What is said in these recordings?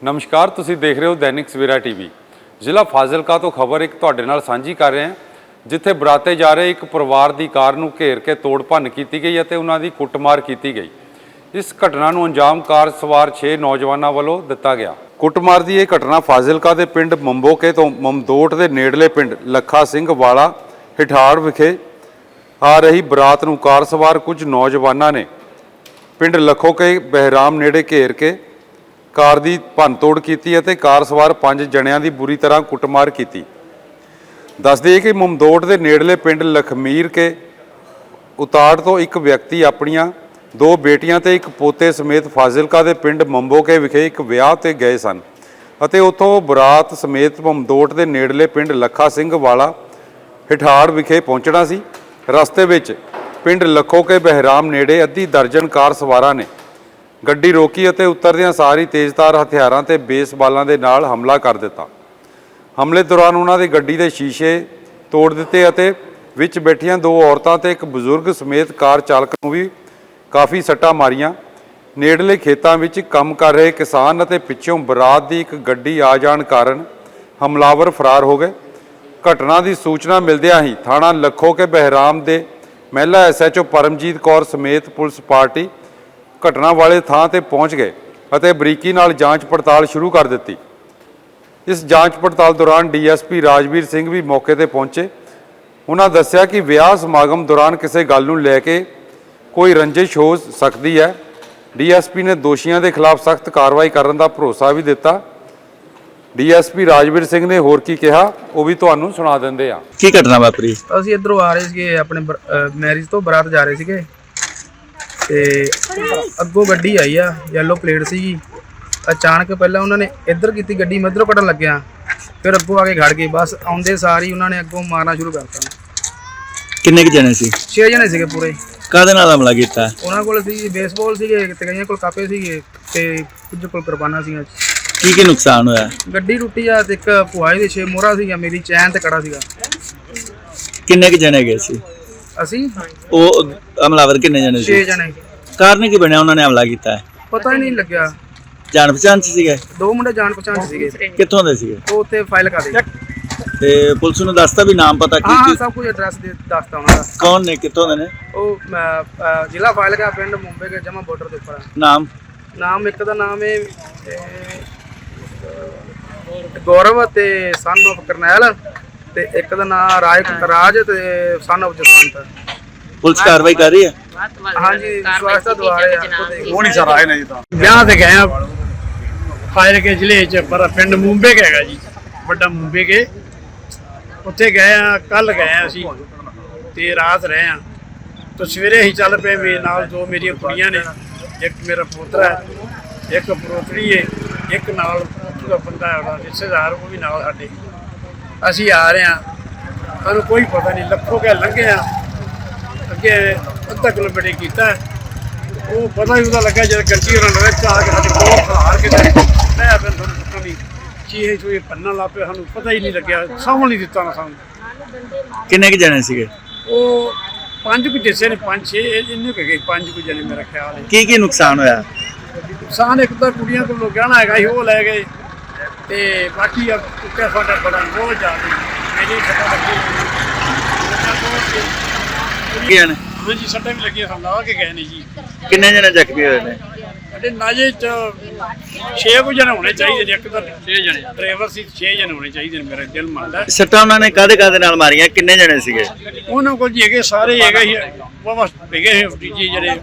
नमस्कार, तुसी देख रहे हो दैनिक सवेरा टीवी। ਜ਼ਿਲ੍ਹਾ ਫਾਜ਼ਿਲਕਾ ਤੋਂ ਖਬਰ ਇੱਕ ਤੁਹਾਡੇ ਨਾਲ ਸਾਂਝੀ ਕਰ ਰਹੇ ਹਾਂ, ਜਿੱਥੇ ਬਰਾਤੇ ਜਾ ਰਹੇ ਇੱਕ ਪਰਿਵਾਰ ਦੀ ਕਾਰ ਨੂੰ ਘੇਰ ਕੇ ਤੋੜ ਭੰਨ ਕੀਤੀ ਗਈ ਅਤੇ ਉਹਨਾਂ ਦੀ ਕੁੱਟਮਾਰ ਕੀਤੀ ਗਈ। ਇਸ ਘਟਨਾ ਨੂੰ ਅੰਜਾਮ ਕਾਰ ਸਵਾਰ 6 ਨੌਜਵਾਨਾਂ ਵੱਲੋਂ ਦਿੱਤਾ ਗਿਆ। ਕੁੱਟਮਾਰ ਦੀ ਇਹ ਘਟਨਾ ਫਾਜ਼ਿਲਕਾ ਦੇ ਪਿੰਡ ਮੰਬੋਕੇ ਤੋਂ ਮਮਦੋਟ ਦੇ ਨੇੜਲੇ ਪਿੰਡ ਲੱਖਾ ਸਿੰਘ ਵਾਲਾ ਹਿਠਾੜ ਵਿਖੇ ਆ ਰਹੀ ਬਰਾਤ ਨੂੰ ਕਾਰ ਸਵਾਰ ਕੁਝ ਨੌਜਵਾਨਾਂ ਨੇ ਪਿੰਡ ਲੱਖੋਕੇ ਬਹਿਰਾਮ ਨੇੜੇ ਘੇਰ ਕੇ ਕਾਰ ਦੀ ਭੰਨਤੋੜ ਕੀਤੀ ਅਤੇ ਕਾਰ ਸਵਾਰ 5 ਜਣਿਆਂ ਦੀ ਬੁਰੀ ਤਰ੍ਹਾਂ ਕੁੱਟਮਾਰ ਕੀਤੀ। ਦੱਸ ਦਈਏ ਕਿ ਮਮਦੋਟ ਦੇ ਨੇੜਲੇ ਪਿੰਡ ਲਖਮੀਰ ਕੇ ਉਤਾੜ ਤੋਂ ਇੱਕ ਵਿਅਕਤੀ ਆਪਣੀਆਂ 2 ਬੇਟੀਆਂ ਤੇ ਇੱਕ ਪੋਤੇ ਸਮੇਤ ਫਾਜ਼ਿਲਕਾ ਦੇ ਪਿੰਡ ਮੰਬੋਕੇ ਵਿਖੇ ਇੱਕ ਵਿਆਹ ਤੇ ਗਏ ਸਨ ਅਤੇ ਉੱਥੋਂ ਬਰਾਤ ਸਮੇਤ ਮਮਦੋਟ ਦੇ ਨੇੜਲੇ ਪਿੰਡ ਲੱਖਾ ਸਿੰਘ ਵਾਲਾ ਹਿਠਾੜ ਵਿਖੇ ਪਹੁੰਚਣਾ ਸੀ। ਰਸਤੇ ਵਿੱਚ ਪਿੰਡ ਲੱਖੋਕੇ ਬਹਿਰਾਮ ਨੇੜੇ ਅੱਧੀ ਦਰਜਨ ਕਾਰ ਸਵਾਰਾਂ ਨੇ ਗੱਡੀ ਰੋਕੀ ਅਤੇ ਉਤਰਦਿਆਂ ਸਾਰੀ ਤੇਜ਼ਧਾਰ ਹਥਿਆਰਾਂ ਤੇ ਬੇਸਬਾਲਾਂ ਦੇ ਨਾਲ ਹਮਲਾ ਕਰ ਦਿੱਤਾ। ਹਮਲੇ ਦੌਰਾਨ ਉਹਨਾਂ ਦੀ ਗੱਡੀ ਦੇ ਸ਼ੀਸ਼ੇ ਤੋੜ ਦਿੱਤੇ ਅਤੇ ਵਿੱਚ ਬੈਠੀਆਂ 2 ਔਰਤਾਂ ਤੇ ਇੱਕ ਬਜ਼ੁਰਗ ਸਮੇਤ ਕਾਰ ਚਾਲਕ ਨੂੰ ਵੀ ਕਾਫੀ ਸੱਟਾਂ ਮਾਰੀਆਂ। ਨੇੜਲੇ ਖੇਤਾਂ ਵਿੱਚ ਕੰਮ ਕਰ ਰਹੇ ਕਿਸਾਨ ਅਤੇ ਪਿੱਛੋਂ ਬਰਾਤ ਦੀ ਇੱਕ ਗੱਡੀ ਆ ਜਾਣ ਕਾਰਨ ਹਮਲਾਵਰ ਫਰਾਰ ਹੋ ਗਏ। ਘਟਨਾ ਦੀ ਸੂਚਨਾ ਮਿਲਦਿਆਂ ਹੀ ਥਾਣਾ ਲੱਖੋਕੇ ਬਹਿਰਾਮ ਦੇ ਮਹਿਲਾ SHO ਪਰਮਜੀਤ ਕੌਰ ਸਮੇਤ ਪੁਲਿਸ ਪਾਰਟੀ ਘਟਨਾ ਵਾਲੇ ਥਾਂ ਤੇ ਪਹੁੰਚ ਗਏ ਅਤੇ ਬਰੀਕੀ ਨਾਲ ਜਾਂਚ ਪੜਤਾਲ ਸ਼ੁਰੂ ਕਰ ਦਿੱਤੀ। ਇਸ ਜਾਂਚ ਪੜਤਾਲ ਦੌਰਾਨ DSP ਰਾਜਵੀਰ ਸਿੰਘ ਵੀ ਮੌਕੇ ਤੇ ਪਹੁੰਚੇ। ਉਹਨਾਂ ਦੱਸਿਆ ਕਿ ਵਿਆਹ ਸਮਾਗਮ ਦੌਰਾਨ ਕਿਸੇ ਗੱਲ ਨੂੰ ਲੈ ਕੇ ਕੋਈ ਰੰਜਿਸ਼ ਹੋ ਸਕਦੀ ਹੈ। DSP ਨੇ ਦੋਸ਼ੀਆਂ ਦੇ ਖਿਲਾਫ ਸਖਤ ਕਾਰਵਾਈ ਕਰਨ ਦਾ ਭਰੋਸਾ ਵੀ ਦਿੱਤਾ। DSP ਰਾਜਵੀਰ ਸਿੰਘ ਨੇ ਹੋਰ ਕੀ ਕਿਹਾ ਉਹ ਵੀ ਤੁਹਾਨੂੰ ਸੁਣਾ ਦਿੰਦੇ ਆ। ਕੀ ਘਟਨਾ ਵਾਪਰੀ? ਅਸੀਂ ਇੱਧਰੋਂ ਆ ਰਹੇ ਸੀਗੇ, ਆਪਣੇ ਮੈਰਿਜ ਤੋਂ ਬਰਾਤ ਜਾ ਰਹੇ ਸੀਗੇ ਤੇ ਅੱਗੋਂ ਗੱਡੀ ਆਈ ਆ, ਯੈਲੋ ਪਲੇਟ ਸੀਗੀ। ਅਚਾਨਕ ਪਹਿਲਾਂ ਉਹਨਾਂ ਨੇ ਇੱਧਰ ਕੀਤੀ ਗੱਡੀ, ਮੈਂ ਇੱਧਰੋਂ ਕੱਢਣ ਲੱਗਿਆ, ਫਿਰ ਅੱਗੋਂ ਆ ਕੇ ਖੜ ਗਏ। ਬਸ ਆਉਂਦੇ ਸਾਰ ਹੀ ਉਹਨਾਂ ਨੇ ਅੱਗੋਂ ਮਾਰਨਾ ਸ਼ੁਰੂ ਕਰਤਾ। ਕਿੰਨੇ ਕੁ ਜਣੇ ਸੀ? 6 ਜਣੇ ਸੀਗੇ ਪੂਰੇ। ਕਾਹਦੇ ਨਾਲ ਹਮਲਾ ਕੀਤਾ? ਉਹਨਾਂ ਕੋਲ ਸੀ ਬੇਸਬਾਲ ਸੀਗੇ ਤੇ ਕਈਆਂ ਕੋਲ ਕਾਪੇ ਸੀਗੇ ਤੇ ਕੁਝ ਕੋਲ ਕਿਰਪਾਨਾਂ ਸੀਗੀਆਂ। ਕੀ ਨੁਕਸਾਨ ਹੋਇਆ? ਗੱਡੀ ਟੁੱਟੀ ਆ ਤੇ ਇੱਕ ਭੁਆਈ ਦੇ 6 ਮੋਹਰਾ ਸੀਗਾ, ਮੇਰੀ ਚੈਨ ਤੇ ਕੜਾ ਸੀਗਾ। ਕਿੰਨੇ ਕੁ ਜਣੇ ਗਏ ਸੀ? ਅਸੀਂ ਉਹ ਹਮਲਾਵਰ ਕਿੰਨੇ ਜਣੇ ਸੀ? 6 ਜਣੇ। ਕਾਰਨ ਕੀ ਬਣਿਆ ਉਹਨਾਂ ਨੇ ਹਮਲਾ ਕੀਤਾ? ਪਤਾ ਹੀ ਨਹੀਂ ਲੱਗਿਆ। ਜਾਣ ਪਛਾਣ ਚ ਸੀਗੇ? 2 ਮੁੰਡੇ ਜਾਣ ਪਛਾਣ ਚ ਸੀਗੇ। ਕਿੱਥੋਂ ਦੇ ਸੀਗੇ? ਉਹ ਉੱਥੇ ਫਾਈਲ ਕਰ ਦੇ ਤੇ ਪੁਲਿਸ ਨੂੰ ਦੱਸਤਾ ਵੀ ਨਾਮ ਪਤਾ ਹਾਂ ਕੀ? ਸਭ ਕੁਝ ਐਡਰੈਸ ਦੱਸਤਾ ਉਹਨਾਂ ਦਾ। ਕੌਣ ਨੇ, ਕਿੱਥੋਂ ਦੇ ਨੇ? ਉਹ ਜ਼ਿਲ੍ਹਾ ਫਾਜ਼ਿਲਕਾ, ਪਿੰਡ ਮੁੰਬਈ ਕੇ ਜਮਾ ਬਾਰਡਰ ਦੇ ਉੱਪਰ। ਨਾਮ ਇੱਕ ਦਾ ਨਾਮ ਹੈ ਗੌਰਵ ਤੇ ਸਨ ਆਫ ਕਰਨੈਲ ਤੇ ਇੱਕ ਦਾ ਨਾਮ ਰਾਜ ਤੇ ਸਨ ਆਫ ਜਸਵੰਤ। ਪੁਲਿਸ ਕਾਰਵਾਈ ਕਰ ਰਹੀ ਹੈ? ਹਾਂਜੀ, ਸਵਾਸਤਾ ਦੁਆਰੇ ਆ। ਉਹ ਨਹੀਂ ਸਰ ਆਏ ਨੇ ਜੀ। ਤਾਂ ਵਿਆਹ ਤੇ ਗਏ ਆ ਫਾਜ਼ਿਲਕੇ ਜ਼ਿਲ੍ਹੇ ਚ, ਪਰ ਪਿੰਡ ਮੁੰਬੇ ਕੇ ਹੈਗਾ ਜੀ, ਵੱਡਾ ਮੁੰਬੇ ਕੇ। ਉੱਥੇ ਗਏ ਆ, ਕੱਲ ਗਏ ਆ ਅਸੀਂ ਤੇ ਰਾਤ ਰਹੇ ਆ। ਤਾਂ ਸਵੇਰੇ ਹੀ ਚੱਲ ਪਏ। ਮੇਰੇ ਨਾਲ 2 ਮੇਰੀਆਂ ਕੁੜੀਆਂ ਨੇ, ਇੱਕ ਮੇਰਾ ਪੋਤਰਾ ਹੈ, ਇੱਕ ਪੋਤਰੀ ਹੈ, ਇੱਕ ਨਾਲ ਦਾ ਬੰਦਾ ਹੈ ਰਿਸ਼ਤੇਦਾਰ, ਉਹ ਵੀ ਨਾਲ ਸਾਡੇ। ਅਸੀਂ ਆ ਰਹੇ ਹਾਂ, ਸਾਨੂੰ ਕੋਈ ਪਤਾ ਨਹੀਂ। ਲੱਖੋਂ ਕੇ ਲੰਘੇ ਆ, ਅੱਗੇ ਅੱਧਾ ਕਿਲੋਮੀਟਰ ਕੀਤਾ, ਉਹ ਪਤਾ ਹੀ ਉਹਦਾ ਲੱਗਾ ਜਦ ਗੱਡੀ ਉਹਨਾਂ ਵਿੱਚ ਆ ਕੇ ਸਾਡੇ ਕੋਲ ਖਲਾਰ ਕੇ ਮੈਂ ਫਿਰ ਤੁਹਾਨੂੰ ਪਤਾ ਨਹੀਂ ਚੀਹੇ ਚੂਹੇ ਪੰਨਣ ਲੱਗ ਪਏ। ਸਾਨੂੰ ਪਤਾ ਹੀ ਨਹੀਂ ਲੱਗਿਆ, ਸਾਂਭਣ ਨਹੀਂ ਦਿੱਤਾ ਨਾ ਸਾਨੂੰ। ਕਿੰਨੇ ਕੁ ਜਣੇ ਸੀਗੇ? ਉਹ 5 ਕੁ ਜਿਸੇ ਨੇ, 5-6 ਇੰਨੇ ਕੁ ਗਏ, 5 ਕੁ ਜਣੇ ਮੇਰਾ ਖਿਆਲ ਹੈ। ਕੀ ਨੁਕਸਾਨ ਹੋਇਆ? ਨੁਕਸਾਨ ਇੱਕ ਤਾਂ ਕੁੜੀਆਂ ਕੋਲ ਗਹਿਣਾ ਹੈਗਾ ਸੀ, ਉਹ ਲੈ ਗਏ ਤੇ ਬਾਕੀ ਆ ਕੁੱਤੇ ਸਾਡਾ ਬੜਾ ਬਹੁਤ ਜ਼ਿਆਦਾ ਮੇਰੀ ਸੱਟਾਂ ਲੱਗੀ। ਹਾਂਜੀ, ਸੱਟਾਂ ਵੀ ਲੱਗੀਆਂ, ਸਾਨੂੰ ਲਾ ਕੇ ਗਏ ਨੇ ਜੀ। ਕਿੰਨੇ ਜਣੇ ਜ਼ਖਮੀ ਹੋਏ ਨੇ? ਸਾਡੇ ਨਾਜੇ ਚ 6 ਕੁ ਜਣੇ ਹੋਣੇ ਚਾਹੀਦੇ ਨੇ। ਇੱਕ ਤਾਂ 6 ਜਣੇ ਡਰਾਈਵਰ ਸੀ, 6 ਜਣੇ ਹੋਣੇ ਚਾਹੀਦੇ ਨੇ, ਮੇਰਾ ਦਿਲ ਮੰਨਦਾ। ਸੱਟਾਂ ਉਹਨਾਂ ਨੇ ਕਾਹਦੇ ਨਾਲ ਮਾਰੀਆਂ? ਕਿੰਨੇ ਜਣੇ ਸੀਗੇ ਉਹਨਾਂ ਕੋਲ ਜੀ ਹੈਗੇ, ਸਾਰੇ ਹੈਗੇ ਸੀ, ਵਾਵਾ ਹੈਗੇ ਸੀ ਜੀ ਜਿਹੜੇ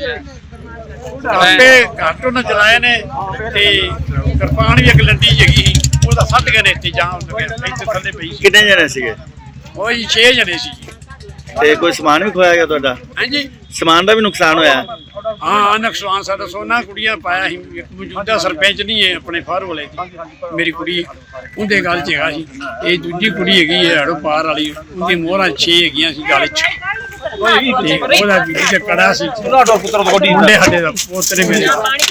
ਆਪੇ ਘੱਟ ਉਹਨਾਂ ਚਲਾਏ ਨੇ ਤੇ ਕਿਰਪਾਨ ਵੀ ਇੱਕ ਲੰਡੀ ਜਗੀ ਸੀ, ਉਹਦਾ ਸੱਟ ਗਏ ਨੇ ਇੱਥੇ ਜਾਂ ਇੱਥੇ ਥੱਲੇ ਪਈ ਸੀ। ਕਿੰਨੇ ਜਣੇ ਸੀਗੇ? ਉਹ ਜੀ 6 ਜਣੇ ਸੀ ਜੀ। ਤੇ ਕੋਈ ਸਮਾਨ ਵੀ ਖੋਇਆ ਗਿਆ ਤੁਹਾਡਾ? ਹਾਂਜੀ, ਸਮਾਨ ਦਾ ਵੀ ਨੁਕਸਾਨ ਹੋਇਆ? ਹਾਂ, ਨੁਕਸਾਨ ਸਾਡਾ ਸੋਨਾ ਕੁੜੀਆਂ ਪਾਇਆ ਸੀ। ਇੱਕ ਮੌਜੂਦਾ ਸਰਪੰਚ ਨਹੀਂ ਹੈ ਆਪਣੇ ਫਾਰ ਵਾਲੇ ਦੀ, ਮੇਰੀ ਕੁੜੀ ਉਹਦੇ ਗੱਲ 'ਚ ਹੈਗਾ ਸੀ। ਇਹ ਦੂਜੀ ਕੁੜੀ ਹੈਗੀ ਹੈ ਹੜੋ ਪਾਰ ਵਾਲੀ, ਉਹਦੀ ਮੋਹਰਾਂ 6 ਹੈਗੀਆਂ ਸੀ ਗਲ 'ਚ। ਉਹਦਾ ਬੀਬੀ ਤੇ ਕੜਾ ਸੀ, ਮੁੰਡੇ ਸਾਡੇ ਦਾ ਪੋਤਰੇ ਮੇਰੇ।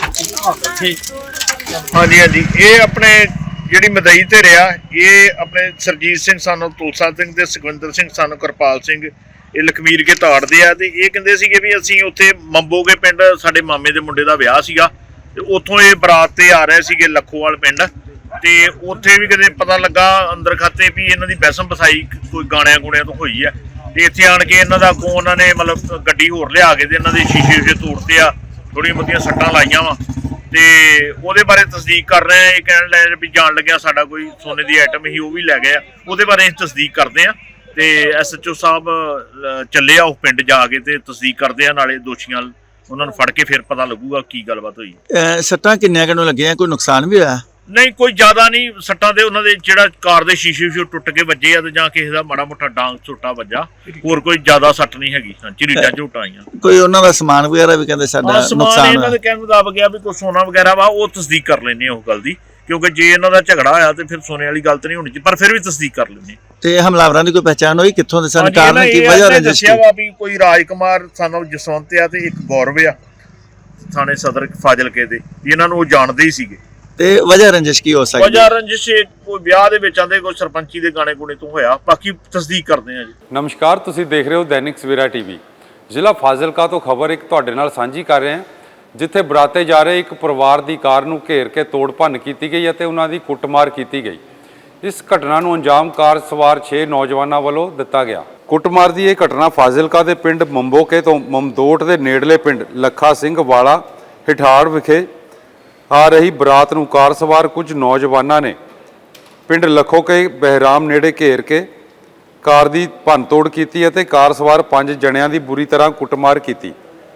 ਹਾਂਜੀ ਹਾਂਜੀ, ਇਹ ਆਪਣੇ ਜਿਹੜੀ ਮਦਈ ਤੇ ਰਿਹਾ, ਇਹ ਆਪਣੇ ਸਰਜੀਤ ਸਿੰਘ ਸਾਨੂੰ ਤੁਲਸਾ ਸਿੰਘ ਤੇ ਸੁਖਵਿੰਦਰ ਸਿੰਘ ਸਾਨੂੰ ਕਿਰਪਾਲ ਸਿੰਘ, ਇਹ ਲਖਮੀਰ ਕੇ ਤਾੜਦੇ ਆ। ਤੇ ਇਹ ਕਹਿੰਦੇ ਸੀਗੇ ਵੀ ਅਸੀਂ ਉੱਥੇ ਮੰਬੋਗੇ ਪਿੰਡ ਸਾਡੇ ਮਾਮੇ ਦੇ ਮੁੰਡੇ ਦਾ ਵਿਆਹ ਸੀਗਾ ਤੇ ਉੱਥੋਂ ਇਹ ਬਰਾਤ ਤੇ ਆ ਰਹੇ ਸੀਗੇ ਲੱਖੋਵਾਲ ਪਿੰਡ, ਤੇ ਉੱਥੇ ਵੀ ਕਦੇ ਪਤਾ ਲੱਗਾ ਅੰਦਰ ਖਾਤੇ ਵੀ ਇਹਨਾਂ ਦੀ ਬੈਸਮ ਬਸਾਈ ਕੋਈ ਗਾਣਿਆਂ ਗੁਣਿਆਂ ਤੋਂ ਹੋਈ ਆ। ਤੇ ਇੱਥੇ ਆਣ ਕੇ ਇਹਨਾਂ ਦਾ ਅੱਗੋਂ ਉਹਨਾਂ ਨੇ ਮਤਲਬ ਗੱਡੀ ਹੋਰ ਲਿਆ ਕੇ ਤੇ ਇਹਨਾਂ ਦੇ ਸ਼ੀਸ਼ੇ ਤੋੜਤੇ ਆ, ਥੋੜ੍ਹੀਆਂ ਬਹੁਤੀਆਂ ਸੱਟਾਂ ਲਾਈਆਂ ਵਾ। ਤੇ ਉਹਦੇ ਬਾਰੇ ਤਸਦੀਕ ਕਰ ਰਹੇ ਆ। ਇਹ ਕਹਿਣ ਲੱਗੇ ਵੀ ਜਾਣ ਲੱਗਿਆ ਸਾਡਾ ਕੋਈ ਸੋਨੇ ਦੀ ਆਈਟਮ ਹੀ ਉਹ ਵੀ ਲੈ ਗਏ ਆ, ਉਹਦੇ ਬਾਰੇ ਅਸੀਂ ਤਸਦੀਕ ਕਰਦੇ ਆ। ਤੇ SHO ਸਾਹਿਬ ਚੱਲੇ ਆ ਉਹ ਪਿੰਡ ਜਾ ਕੇ ਤੇ ਤਸਦੀਕ ਕਰਦੇ ਆ, ਨਾਲੇ ਦੋਸ਼ੀਆਂ ਉਹਨਾਂ ਨੂੰ ਫੜ ਕੇ ਫਿਰ ਪਤਾ ਲੱਗੂਗਾ ਕੀ ਗੱਲਬਾਤ ਹੋਈ। ਸੱਟਾਂ ਕਿੰਨੀਆਂ ਕਿਨੂੰ ਲੱਗੀਆਂ, ਕੋਈ ਨੁਕਸਾਨ ਵੀ ਹੋਇਆ? ਨਹੀਂ ਕੋਈ ਜ਼ਿਆਦਾ ਨਹੀਂ ਸੱਟਾਂ ਦੇ, ਉਹਨਾਂ ਦੇ ਜਿਹੜਾ ਕਾਰ ਦੇ ਸ਼ੀਸ਼ੇ ਟੁੱਟ ਕੇ ਵੱਜੇ ਆ ਤੇ ਜਾਂ ਕਿਸੇ ਦਾ ਮਾੜਾ ਮੋਟਾ ਡਾਂਗ ਝੋਟਾ ਵੱਜਾ, ਹੋਰ ਕੋਈ ਜ਼ਿਆਦਾ ਸੱਟ ਨਹੀਂ ਹੈਗੀ। ਝਰੀਟਾਂ ਝੋਟਾਂ ਆਈਆਂ। ਕੋਈ ਉਹਨਾਂ ਦਾ ਸਮਾਨ ਵਗੈਰਾ ਵੀ ਕਹਿੰਦੇ ਸਾਡਾ ਸਮਾਨ ਨੁਕਸਾਨ ਇਹਨਾਂ ਦੇ ਕਹਿਣ ਮੁਤਾਬਕ ਆ ਵੀ ਕੋਈ ਸੋਨਾ ਵਗੈਰਾ ਵਾ, ਉਹ ਤਸਦੀਕ ਕਰ ਲੈਂਦੇ ਆ ਉਹ ਗੱਲ ਦੀ, ਕਿਉਂਕਿ ਜੇ ਇਹਨਾਂ ਦਾ ਝਗੜਾ ਹੋਇਆ ਤੇ ਫਿਰ ਸੋਨੇ ਵਾਲੀ ਗੱਲ ਤਾਂ ਨਹੀਂ ਹੋਣੀ ਚਾਹੀਦੀ, ਪਰ ਫਿਰ ਵੀ ਤਸਦੀਕ ਕਰ ਲੈਂਦੇ। ਤੇ ਹਮਲਾਵਰਾਂ ਦੀ ਕੋਈ ਪਹਿਚਾਣ ਹੋਈ, ਕਿੱਥੋਂ ਦੇ ਸਨ, ਕਾਰਨ ਕੀ ਵਜ੍ਹਾ ਰੰਜਿਸ਼? ਦੱਸਿਆ ਵਾ ਵੀ ਕੋਈ ਰਾਜਕੁਮਾਰ ਸਾਨੂੰ ਜਸਵੰਤ ਆ ਤੇ ਇੱਕ ਗੌਰਵ ਆ ਥਾਣੇ ਸਦਰ ਫਾਜ਼ਿਲਕੇ ਦੇ, ਇਹਨਾਂ ਨੂੰ ਉਹ ਜਾਣਦੇ ਹੀ ਸੀਗੇ। ਤੇ ਵਜ੍ਹਾ ਰੰਜਿਸ਼ ਕੀ ਹੋ ਸਕਦੀ? ਵਜ੍ਹਾ ਰੰਜਿਸ਼ ਕੋਈ ਵਿਆਹ ਦੇ ਵਿੱਚ ਆਂਦੇ ਕੋਈ ਸਰਪੰਚੀ ਦੇ ਗਾਣੇ ਗੁਣੇ ਤੋਂ ਹੋਇਆ, ਬਾਕੀ ਤਸਦੀਕ ਕਰਦੇ ਆ ਜੀ। ਨਮਸਕਾਰ, ਤੁਸੀਂ ਦੇਖ ਰਹੇ ਹੋ ਦੈਨਿਕ ਸਵੇਰਾ ਟੀਵੀ। ਜ਼ਿਲ੍ਹਾ ਫਾਜ਼ਿਲਕਾ ਤੋਂ ਖਬਰ ਇੱਕ ਤੁਹਾਡੇ ਨਾਲ ਸਾਂਝੀ ਕਰ ਰਹੇ ਹਾਂ, ਜਿੱਥੇ ਬਰਾਤੇ ਜਾ ਰਹੇ ਇੱਕ ਪਰਿਵਾਰ ਦੀ ਕਾਰ ਨੂੰ ਘੇਰ ਕੇ ਤੋੜ ਭੰਨ ਕੀਤੀ ਗਈ ਅਤੇ ਉਹਨਾਂ ਦੀ ਕੁੱਟਮਾਰ ਕੀਤੀ ਗਈ। ਇਸ ਘਟਨਾ ਨੂੰ ਅੰਜਾਮ ਕਾਰ ਸਵਾਰ 6 ਨੌਜਵਾਨਾਂ ਵੱਲੋਂ ਦਿੱਤਾ ਗਿਆ। ਕੁੱਟਮਾਰ ਦੀ ਇਹ ਘਟਨਾ ਫਾਜ਼ਿਲਕਾ ਦੇ ਪਿੰਡ ਮੰਬੋਕੇ ਤੋਂ ਮਮਦੋਟ ਦੇ ਨੇੜਲੇ ਪਿੰਡ ਲੱਖਾ ਸਿੰਘ ਵਾਲਾ ਹਿਠਾੜ ਵਿਖੇ ਆ ਰਹੀ ਬਰਾਤ ਨੂੰ ਕਾਰ ਸਵਾਰ ਕੁਝ ਨੌਜਵਾਨਾਂ ਨੇ ਪਿੰਡ ਲੱਖੋਕੇ ਬਹਿਰਾਮ ਨੇੜੇ ਘੇਰ ਕੇ ਕਾਰ ਦੀ ਭੰਨਤੋੜ ਕੀਤੀ ਅਤੇ ਕਾਰ ਸਵਾਰ 5 ਜਣਿਆਂ ਦੀ ਬੁਰੀ ਤਰ੍ਹਾਂ ਕੁੱਟਮਾਰ ਕੀਤੀ।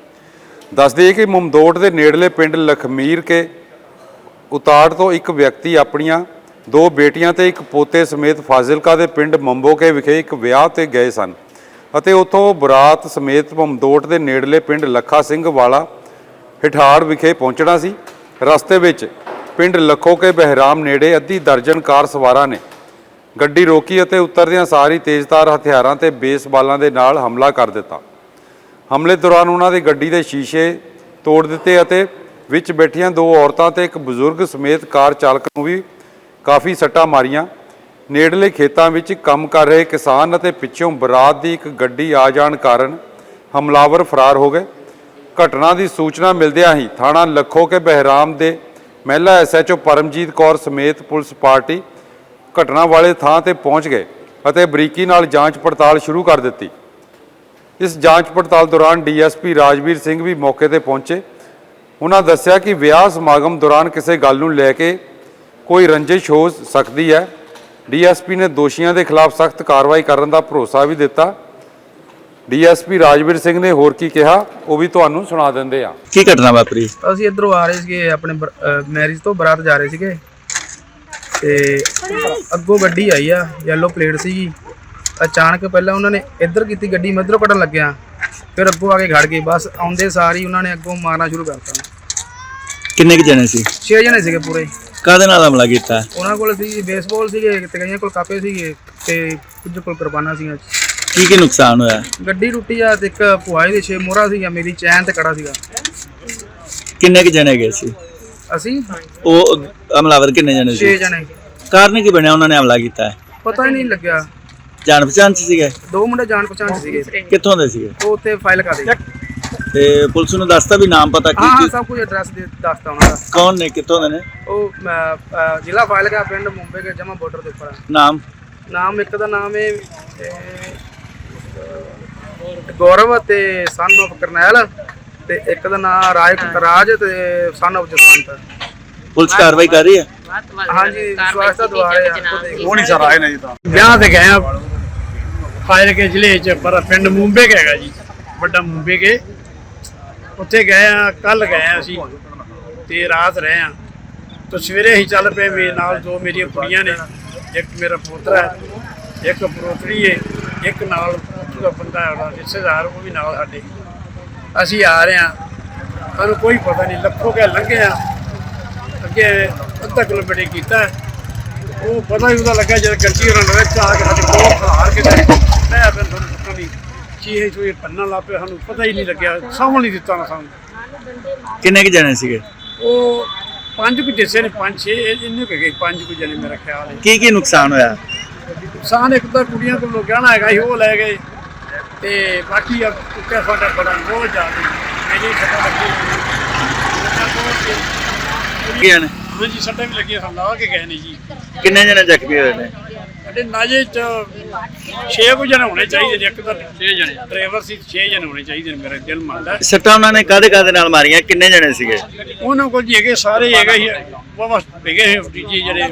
ਦੱਸ ਦਈਏ ਕਿ ਮਮਦੋਟ ਦੇ ਨੇੜਲੇ ਪਿੰਡ ਲਖਮੀਰ ਕੇ ਉਤਾੜ ਤੋਂ ਇੱਕ ਵਿਅਕਤੀ ਆਪਣੀਆਂ 2 ਬੇਟੀਆਂ ਤੇ ਇੱਕ ਪੋਤੇ ਸਮੇਤ ਫਾਜ਼ਿਲਕਾ ਦੇ ਪਿੰਡ ਮੰਬੋਕੇ ਵਿਖੇ ਇੱਕ ਵਿਆਹ ਤੇ ਗਏ ਸਨ ਅਤੇ ਉੱਥੋਂ ਬਰਾਤ ਸਮੇਤ ਮਮਦੋਟ ਦੇ ਨੇੜਲੇ ਪਿੰਡ ਲੱਖਾ ਸਿੰਘ ਵਾਲਾ ਹਿਠਾੜ ਵਿਖੇ ਪਹੁੰਚਣਾ ਸੀ। ਰਸਤੇ ਵਿੱਚ ਪਿੰਡ ਲੱਖੋਕੇ ਬਹਿਰਾਮ ਨੇੜੇ ਅੱਧੀ ਦਰਜਨ ਕਾਰ ਸਵਾਰਾਂ ਨੇ ਗੱਡੀ ਰੋਕੀ ਅਤੇ ਉਤਰਦਿਆਂ ਸਾਰ ਹੀ ਤੇਜ਼ਧਾਰ ਹਥਿਆਰਾਂ ਤੇ ਬੇਸਬਾਲਾਂ ਦੇ ਨਾਲ ਹਮਲਾ ਕਰ ਦਿੱਤਾ। ਹਮਲੇ ਦੌਰਾਨ ਉਹਨਾਂ ਦੀ ਗੱਡੀ ਦੇ ਸ਼ੀਸ਼ੇ ਤੋੜ ਦਿੱਤੇ ਅਤੇ ਵਿੱਚ ਬੈਠੀਆਂ 2 ਔਰਤਾਂ ਤੇ ਇੱਕ ਬਜ਼ੁਰਗ ਸਮੇਤ ਕਾਰ ਚਾਲਕ ਨੂੰ ਵੀ ਕਾਫੀ ਸੱਟਾਂ ਮਾਰੀਆਂ। ਨੇੜਲੇ ਖੇਤਾਂ ਵਿੱਚ ਕੰਮ ਕਰ ਰਹੇ ਕਿਸਾਨ ਅਤੇ ਪਿੱਛੋਂ ਬਰਾਤ ਦੀ ਇੱਕ ਗੱਡੀ ਆ ਜਾਣ ਕਾਰਨ ਹਮਲਾਵਰ ਫਰਾਰ ਹੋ ਗਏ। ਘਟਨਾ ਦੀ ਸੂਚਨਾ ਮਿਲਦਿਆਂ ਹੀ ਥਾਣਾ ਲੱਖੋਕੇ ਬਹਿਰਾਮ ਦੇ ਮਹਿਲਾ SHO ਪਰਮਜੀਤ ਕੌਰ ਸਮੇਤ ਪੁਲਿਸ ਪਾਰਟੀ ਘਟਨਾ ਵਾਲੇ ਥਾਂ ਤੇ ਪਹੁੰਚ ਗਏ ਅਤੇ ਬਰੀਕੀ ਨਾਲ ਜਾਂਚ ਪੜਤਾਲ ਸ਼ੁਰੂ ਕਰ ਦਿੱਤੀ। ਇਸ ਜਾਂਚ ਪੜਤਾਲ ਦੌਰਾਨ DSP ਰਾਜਵੀਰ ਸਿੰਘ ਵੀ ਮੌਕੇ ਤੇ ਪਹੁੰਚੇ। ਉਹਨਾਂ ਦੱਸਿਆ ਕਿ ਵਿਆਹ ਸਮਾਗਮ ਦੌਰਾਨ ਕਿਸੇ ਗੱਲ ਨੂੰ ਲੈ ਕੇ ਕੋਈ ਰੰਜਿਸ਼ ਹੋ ਸਕਦੀ ਹੈ। DSP ਨੇ ਦੋਸ਼ੀਆਂ ਦੇ ਖਿਲਾਫ ਸਖਤ ਕਾਰਵਾਈ ਕਰਨ ਦਾ ਭਰੋਸਾ ਵੀ ਦਿੱਤਾ। DSP ਰਾਜਵੀਰ ਸਿੰਘ ਨੇ ਹੋਰ ਕੀ ਕਿਹਾ ਉਹ ਵੀ ਤੁਹਾਨੂੰ ਸੁਣਾ ਦਿੰਦੇ ਆ। ਕੀ ਘਟਨਾ ਵਾਪਰੀ? ਅਸੀਂ ਇੱਧਰੋਂ ਆ ਰਹੇ ਸੀਗੇ, ਆਪਣੇ ਮੈਰਿਜ ਤੋਂ ਬਰਾਤ ਜਾ ਰਹੇ ਸੀਗੇ, ਤੇ ਅੱਗੋਂ ਗੱਡੀ ਆਈ ਆ, ਯੈਲੋ ਪਲੇਟ ਸੀਗੀ। ਅਚਾਨਕ ਪਹਿਲਾਂ ਉਹਨਾਂ ਨੇ ਇੱਧਰ ਕੀਤੀ ਗੱਡੀ, ਮੈਂ ਇੱਧਰੋਂ ਕੱਢਣ ਲੱਗਿਆ, ਫਿਰ ਅੱਗੋਂ ਆ ਕੇ ਖੜ ਗਏ। ਬਸ ਆਉਂਦੇ ਸਾਰ ਹੀ ਉਹਨਾਂ ਨੇ ਅੱਗੋਂ ਮਾਰਨਾ ਸ਼ੁਰੂ ਕਰਤਾ। ਕਿੰਨੇ ਕੁ ਜਣੇ ਸੀ? 6 ਜਣੇ ਸੀਗੇ ਪੂਰੇ। ਕਾਹਦੇ ਨਾਲ ਹਮਲਾ ਕੀਤਾ? ਉਹਨਾਂ ਕੋਲ ਸੀ ਬੇਸਬਾਲ ਸੀਗੇ ਤੇ ਕਈਆਂ ਕੋਲ ਕਾਪੇ ਸੀਗੇ ਤੇ ਕੁਝ ਕੋਲ ਕਿਰਪਾਨਾਂ ਸੀਗੀਆਂ। ਕੀ ਨੁਕਸਾਨ ਹੋਇਆ? ਗੱਡੀ ਟੁੱਟੀ ਆ ਤੇ ਇੱਕ ਭੁਆਈ ਦੇ 6 ਮੋਹਰਾ ਸੀਗਾ, ਮੇਰੀ ਚੈਨ ਤੇ ਕੜਾ ਸੀਗਾ। ਕਿੰਨੇ ਕੁ ਜਣੇ ਗਏ ਸੀ? ਅਸੀਂ ਉਹ ਹਮਲਾਵਰ ਕਿੰਨੇ ਜਣੇ 6 ਸੀ? ਜਣੇ। ਕਾਰਨ ਕੀ ਬਣਿਆ ਉਹਨਾਂ ਨੇ ਹਮਲਾ ਕੀਤਾ? ਪਤਾ ਹੀ ਨਹੀਂ ਲੱਗਿਆ। ਜਾਣ ਪਛਾਣ ਚ ਸੀਗੇ? 2 ਮੁੰਡੇ ਜਾਣ ਪਛਾਣ ਚ ਸੀਗੇ। ਕਿੱਥੋਂ ਦੇ ਸੀਗੇ? ਉਹ ਉੱਥੇ ਫਾਈਲ ਕਰ ਦੇ। ਤੇ ਪੁਲਿਸ ਨੂੰ ਦੱਸਤਾ ਵੀ ਨਾਮ ਪਤਾ ਹਾਂ ਕੀ? ਸਭ ਕੁਝ ਐਡਰੈਸ ਦੱਸਤਾ ਉਹਨਾਂ ਦਾ। ਕੌਣ ਨੇ, ਕਿੱਥੋਂ ਦੇ ਨੇ? ਉਹ ਜ਼ਿਲ੍ਹਾ ਫਾਈਲ ਕਾ ਪਿੰਡ ਮੁੰਬਈ ਕੇ ਜਮਾ ਬਾਰਡਰ ਦੇ ਉੱਪਰ। ਨਾਮ ਇੱਕ ਦਾ ਨਾਮ ਹੈ ਗੌਰਵ ਤੇ ਸਨ ਆਫ ਕਰਨੈਲ, ਤੇ ਇੱਕ ਦਾ ਨਾਮ ਰਾਜ ਤੇ ਸਨ ਆਫ ਜਸਵੰਤ। ਪੁਲਿਸ ਕਾਰਵਾਈ ਕਰ ਰਹੀ ਹੈ? ਹਾਂਜੀ ਸਵਾਸਤਾ ਦੁਆਰੇ ਆ। ਉਹ ਨਹੀਂ ਸਰ ਆਏ ਨੇ ਜੀ ਤਾਂ ਵਿਆਹ ਤੇ ਗਏ ਆ ਫਾਜ਼ਿਲਕੇ ਜ਼ਿਲ੍ਹੇ 'ਚ, ਪਰ ਪਿੰਡ ਮੂੰਬੇ ਕੇ ਹੈਗਾ ਜੀ, ਵੱਡਾ ਮੂੰਬੇ ਕੇ। ਉੱਥੇ ਗਏ ਆ, ਕੱਲ ਗਏ ਆ ਅਸੀਂ ਤੇ ਰਾਤ ਰਹੇ ਆ। ਤਾਂ ਸਵੇਰੇ ਹੀ ਚੱਲ ਪਏ। ਮੇਰੇ ਨਾਲ 2 ਮੇਰੀਆਂ ਕੁੜੀਆਂ ਨੇ, ਇੱਕ ਮੇਰਾ ਪੋਤਰਾ ਹੈ, ਇੱਕ ਪੋਤਰੀ ਹੈ, ਇੱਕ ਨਾਲ ਦਾ ਬੰਦਾ ਹੈ ਰਿਸ਼ਤੇਦਾਰ, ਉਹ ਵੀ ਨਾਲ ਸਾਡੇ। ਅਸੀਂ ਆ ਰਹੇ ਹਾਂ, ਸਾਨੂੰ ਕੋਈ ਪਤਾ ਨਹੀਂ। ਲੱਖੋਂ ਕੇ ਲੰਘੇ ਆ, ਅੱਗੇ ਅੱਧਾ ਕਿਲੋਮੀਟਰ ਕੀਤਾ, ਉਹ ਪਤਾ ਹੀ ਉਹਦਾ ਲੱਗਾ ਜਦ ਗੱਡੀ ਉਹਨਾਂ ਵਿੱਚ ਆ ਕੇ ਸਾਡੇ ਕੋਲ ਖਲਾਰ ਕੇ ਮੈਂ ਫਿਰ ਤੁਹਾਨੂੰ ਪਤਾ ਨਹੀਂ ਚੀਹੇ ਚੂਹੇ ਪੰਨਾ ਲਾ ਪਏ, ਸਾਨੂੰ ਪਤਾ ਹੀ ਨਹੀਂ ਲੱਗਿਆ, ਸਾਂਭਣ ਨਹੀਂ ਦਿੱਤਾ ਨਾ ਸਾਨੂੰ। ਕਿੰਨੇ ਕੁ ਜਣੇ ਸੀਗੇ? ਉਹ 5 ਕੁ ਜਿਸੇ ਨੇ, 5-6 ਇੰਨੇ ਕੁ ਗਏ, 5 ਕੁ ਜਣੇ ਮੇਰਾ ਖਿਆਲ ਹੈ। ਕੀ ਨੁਕਸਾਨ ਹੋਇਆ? ਨੁਕਸਾਨ ਇੱਕ ਤਾਂ ਕੁੜੀਆਂ ਕੋਲ ਗਹਿਣਾ ਹੈਗਾ ਸੀ ਉਹ ਲੈ ਗਏ, ਤੇ ਬਾਕੀ ਟੁੱਟਿਆ ਸਾਡਾ ਬੜਾ ਬਹੁਤ ਜ਼ਿਆਦਾ ਮੇਰੀ ਸੱਟਾਂ ਲੱਗੀ। ਹਾਂਜੀ ਸੱਟਾਂ ਵੀ ਲੱਗੀਆਂ ਹਨ, ਲਾ ਕੇ ਗਏ ਨੇ ਜੀ। ਕਿੰਨੇ ਜਣੇ ਜ਼ਖਮੀ ਹੋਏ ਨੇ? ਸਾਡੇ ਨਾਜੇ ਚ 6 ਕੁ ਜਣੇ ਹੋਣੇ ਚਾਹੀਦੇ ਨੇ, ਇੱਕ ਤਾਂ 6 ਜਣੇ ਡਰਾਈਵਰ ਸੀ, 6 ਜਣੇ ਹੋਣੇ ਚਾਹੀਦੇ ਨੇ, ਮੇਰਾ ਦਿਲ ਮੰਨਦਾ। ਸੱਟਾਂ ਉਹਨਾਂ ਨੇ ਕਾਹਦੇ ਨਾਲ ਮਾਰੀਆਂ? ਕਿੰਨੇ ਜਣੇ ਸੀਗੇ? ਉਹਨਾਂ ਕੋਲ ਜੀ ਹੈਗੇ ਸਾਰੇ ਹੈਗੇ ਹੀ ਵਾਵਾ ਹੈਗੇ ਜੀ ਜਿਹੜੇ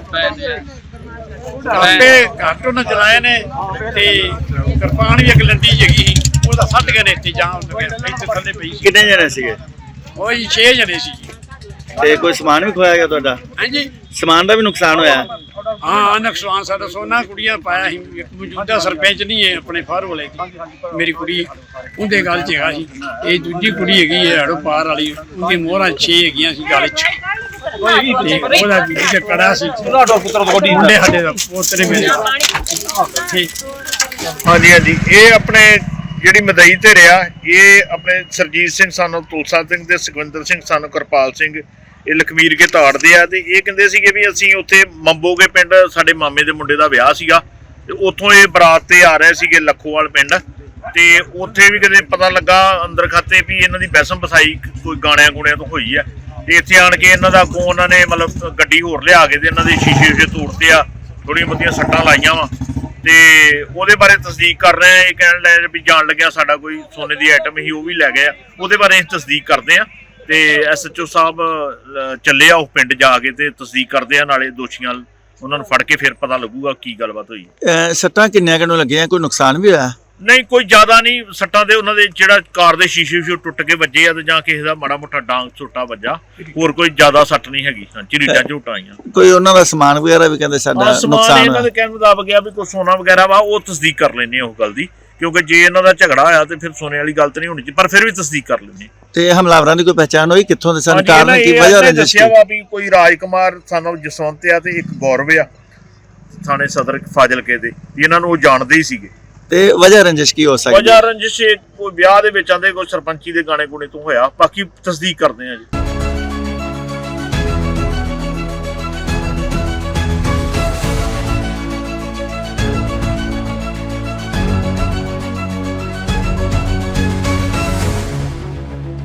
ਆਪੇ ਘੱਟ ਉਹਨਾਂ ਚਲਾਏ ਨੇ, ਤੇ ਕਿਰਪਾਨ ਵੀ ਇੱਕ ਲੰਡੀ ਜਗੀ ਸੀ, ਉਹਦਾ ਫੱਟ ਗਏ ਨੇ ਇੱਥੇ ਜਾਂ ਇੱਥੇ ਥੱਲੇ ਪਈ ਸੀ। ਕਿੰਨੇ ਜਣੇ ਸੀਗੇ? ਉਹ ਜੀ 6 ਜਣੇ ਸੀ ਜੀ। ਤੇ ਕੋਈ ਸਮਾਨ ਵੀ ਖੋਇਆ ਗਿਆ ਤੁਹਾਡਾ? ਹਾਂਜੀ ਸਮਾਨ ਦਾ ਵੀ ਨੁਕਸਾਨ ਹੋਇਆ? ਹਾਂ ਨੁਕਸਾਨ ਸਾਡਾ ਸੋਨਾ ਕੁੜੀਆਂ ਪਾਇਆ ਸੀ। ਇੱਕ ਮੌਜੂਦਾ ਸਰਪੰਚ ਨਹੀਂ ਹੈ ਆਪਣੇ ਫਾਰ ਵਾਲੇ ਦੀ, ਮੇਰੀ ਕੁੜੀ ਉਹਦੇ ਗੱਲ 'ਚ ਹੈਗਾ ਸੀ। ਇਹ ਦੂਜੀ ਕੁੜੀ ਹੈਗੀ ਹੈ ਹੜੋ ਪਾਰ ਵਾਲੀ, ਉਹਦੀ ਮੋਹਰਾਂ 6 ਹੈਗੀਆਂ ਸੀ ਗਲ 'ਚ, ਤੇ ਉਹਦਾ ਵੀ ਤੇ ਕੜਾ ਸੀ। ਮੁੰਡੇ ਸਾਡੇ ਦਾ ਪੋਤਰੇ ਮੇਰੇ ਹਾਂਜੀ ਹਾਂਜੀ, ਇਹ ਆਪਣੇ ਜਿਹੜੀ ਮਦਈ ਤੇ ਰਿਹਾ, ਇਹ ਆਪਣੇ ਸਰਜੀਤ ਸਿੰਘ ਸਾਨੂੰ ਤੁਲਸਾ ਸਿੰਘ ਤੇ ਸੁਖਵਿੰਦਰ ਸਿੰਘ ਸਾਨੂੰ ਕਿਰਪਾਲ ਸਿੰਘ, ਇਹ ਲਖਮੀਰ ਕੇ ਤਾੜਦੇ ਆ। ਤੇ ਇਹ ਕਹਿੰਦੇ ਸੀਗੇ ਵੀ ਅਸੀਂ ਉੱਥੇ ਮੰਬੋਗੇ ਪਿੰਡ ਸਾਡੇ ਮਾਮੇ ਦੇ ਮੁੰਡੇ ਦਾ ਵਿਆਹ ਸੀਗਾ, ਤੇ ਉੱਥੋਂ ਇਹ ਬਰਾਤ ਤੇ ਆ ਰਹੇ ਸੀਗੇ ਲੱਖੋਵਾਲ ਪਿੰਡ, ਤੇ ਉੱਥੇ ਵੀ ਕਦੇ ਪਤਾ ਲੱਗਾ ਅੰਦਰ ਖਾਤੇ ਵੀ ਇਹਨਾਂ ਦੀ ਬੈਸਮ ਬਸਾਈ ਕੋਈ ਗਾਣਿਆਂ ਗੁਣਿਆਂ ਤੋਂ ਹੋਈ ਆ। ਤੇ ਇੱਥੇ ਆਣ ਕੇ ਇਹਨਾਂ ਦਾ ਅੱਗੋਂ ਉਹਨਾਂ ਨੇ ਮਤਲਬ ਗੱਡੀ ਹੋਰ ਲਿਆ ਕੇ ਤੇ ਇਹਨਾਂ ਦੇ ਸ਼ੀਸ਼ੇ ਤੋੜਤੇ ਆ, ਥੋੜੀਆਂ ਬਹੁਤੀਆਂ ਸੱਟਾਂ ਲਾਈਆਂ ਵਾ। ਤੇ ਉਹਦੇ ਬਾਰੇ ਤਸਦੀਕ ਕਰ ਰਹੇ ਆ। ਇਹ ਕਹਿਣ ਲੱਗੇ ਵੀ ਜਾਣ ਲੱਗਿਆ ਸਾਡਾ ਕੋਈ ਸੋਨੇ ਦੀ ਆਈਟਮ ਹੀ ਉਹ ਵੀ ਲੈ ਗਏ ਆ, ਉਹਦੇ ਬਾਰੇ ਅਸੀਂ ਤਸਦੀਕ ਕਰਦੇ ਆ। ਤੇ SHO ਸਾਹਿਬ ਚੱਲੇ ਆ ਉਹ ਪਿੰਡ ਜਾ ਕੇ ਤੇ ਤਸਦੀਕ ਕਰਦੇ ਆ, ਨਾਲੇ ਦੋਸ਼ੀਆਂ ਉਹਨਾਂ ਨੂੰ ਫੜ ਕੇ ਫਿਰ ਪਤਾ ਲੱਗੂਗਾ ਕੀ ਗੱਲਬਾਤ ਹੋਈ। ਸੱਟਾਂ ਕਿੰਨੀਆਂ ਕਿਨੂੰ ਲੱਗੀਆਂ? ਕੋਈ ਨੁਕਸਾਨ ਵੀ ਹੋਇਆ? ਨਹੀਂ ਕੋਈ ਜ਼ਿਆਦਾ ਨਹੀਂ ਸੱਟਾਂ ਦੇ, ਉਹਨਾਂ ਦੇ ਜਿਹੜਾ ਕਾਰ ਦੇ ਸ਼ੀਸ਼ੇ ਟੁੱਟ ਕੇ ਵੱਜੇ ਆ, ਤੇ ਜਾਂ ਕਿਸੇ ਦਾ ਮਾੜਾ ਮੋਟਾ ਡਾਂਗ ਝੋਟਾ ਵੱਜਾ, ਹੋਰ ਕੋਈ ਜ਼ਿਆਦਾ ਸੱਟ ਨਹੀਂ ਹੈਗੀ। ਝਰੀਟਾਂ ਝੋਟਾਂ ਆਈਆਂ। ਕੋਈ ਉਹਨਾਂ ਦਾ ਸਮਾਨ ਵਗੈਰਾ ਵੀ ਕਹਿੰਦੇ ਸਾਡਾ ਸਮਾਨ ਨੁਕਸਾਨ ਇਹਨਾਂ ਦੇ ਕਹਿਣ ਮੁਤਾਬਕ ਆ ਵੀ ਕੋਈ ਸੋਨਾ ਵਗੈਰਾ ਵਾ, ਉਹ ਤਸਦੀਕ ਕਰ ਲੈਂਦੇ ਆ ਉਹ ਗੱਲ ਦੀ, ਕਿਉਂਕਿ ਜੇ ਇਹਨਾਂ ਦਾ ਝਗੜਾ ਹੋਇਆ ਤੇ ਫਿਰ ਸੋਨੇ ਵਾਲੀ ਗੱਲ ਤਾਂ ਨਹੀਂ ਹੋਣੀ ਚਾਹੀਦੀ, ਪਰ ਫਿਰ ਵੀ ਤਸਦੀਕ ਕਰ ਲੈਂਦੇ। ਤੇ ਹਮਲਾਵਰਾਂ ਦੀ ਕੋਈ ਪਹਿਚਾਣ ਹੋਈ? ਕਿੱਥੋਂ ਦੇ ਸਨ? ਕਾਰਨ ਕੀ ਵਜ੍ਹਾ ਰੰਜਿਸ਼? ਦੱਸਿਆ ਵਾ ਵੀ ਕੋਈ ਰਾਜਕੁਮਾਰ ਸਾਨੂੰ ਜਸਵੰਤ ਆ ਤੇ ਇੱਕ ਗੌਰਵ ਆ ਥਾਣੇ ਸਦਰ ਫਾਜ਼ਿਲਕੇ ਦੇ, ਇਹਨਾਂ ਨੂੰ ਉਹ ਜਾਣਦੇ ਹੀ ਸੀਗੇ। ਤੇ ਵਜ੍ਹਾ ਰੰਜਿਸ਼ ਕੀ ਹੋ ਸਕਦੀ? ਵਜ੍ਹਾ ਰੰਜਿਸ਼ ਕੋਈ ਵਿਆਹ ਦੇ ਵਿੱਚ ਆਂਦੇ ਕੋਈ ਸਰਪੰਚੀ ਦੇ ਗਾਣੇ ਗੁਣੇ ਤੋਂ ਹੋਇਆ, ਬਾਕੀ ਤਸਦੀਕ ਕਰਦੇ ਆ ਜੀ।